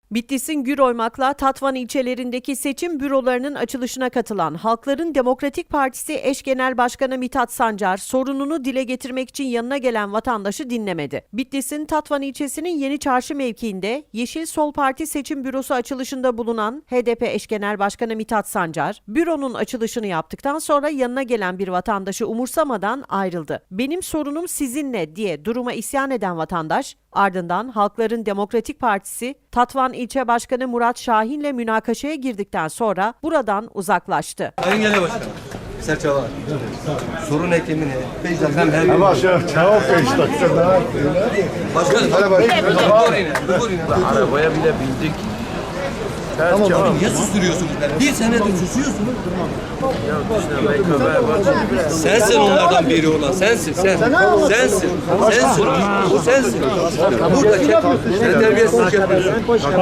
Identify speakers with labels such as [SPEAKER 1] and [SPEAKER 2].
[SPEAKER 1] Bitlis'in Güroymak'la Tatvan ilçelerindeki seçim bürolarının açılışına katılan Halkların Demokratik Partisi eş genel başkanı Mithat Sancar, sorununu dile getirmek için yanına gelen vatandaşı dinlemedi. Bitlis'in Tatvan ilçesinin Yeni Çarşı mevkiinde Yeşil Sol Parti seçim bürosu açılışında bulunan HDP eş genel başkanı Mithat Sancar, büronun açılışını yaptıktan sonra yanına gelen bir vatandaşı umursamadan ayrıldı. "Benim sorunum sizinle" diye duruma isyan eden vatandaş, ardından Halkların Demokratik Partisi Tatvan İlçe Başkanı Murat Şahin'le münakaşaya girdikten sonra buradan uzaklaştı.
[SPEAKER 2] Sayın Genel Başkanım, Serçalar. Sorun eklemini 5 dakika her gün. Başkanım,
[SPEAKER 3] arabaya bile bindik.
[SPEAKER 2] tamam abi, niye susturuyorsunuz beni? Bir senedir susuyorsunuz. Sensin onlardan biri olan, sensin, sen. Sensin, sensin. O sensin. Burada terbiyesizlik yapıyorsun.